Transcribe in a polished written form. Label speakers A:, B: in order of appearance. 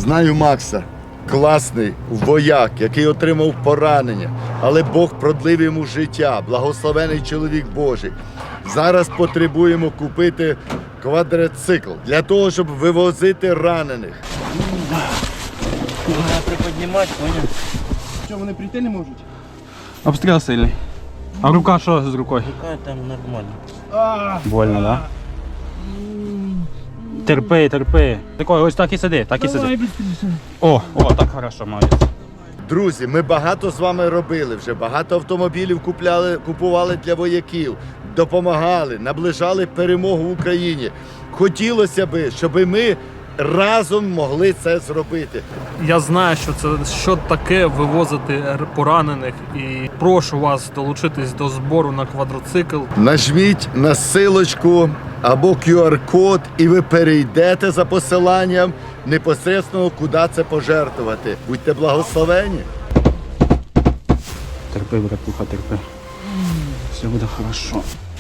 A: Знаю Макса, класний вояк, який отримав поранення, але Бог продлив йому життя, благословений чоловік Божий. Зараз потребуємо купити квадроцикл для того, щоб вивозити ранених.
B: Треба приподнімати, поняв?
C: Що, вони прийти не можуть?
D: Обстріл сильний. А рука що з рукою?
B: Рука там нормально.
D: Больно, да? Терпи, терпи. Такой, ось так і сиди, так і сиди. О, так хорошо, молодець.
A: Друзі, ми багато з вами робили вже, багато автомобілів купували для вояків, допомагали, наближали перемогу в Україні. Хотілося б, щоб ми разом могли це зробити.
E: Я знаю, що таке вивозити поранених, і прошу вас долучитись до збору на квадроцикл.
A: Нажміть на силочку або QR-код і ви перейдете за посиланням непосередньо, куди це пожертвувати. Будьте благословені.
D: Терпи, братуха, терпи. Все буде хорошо.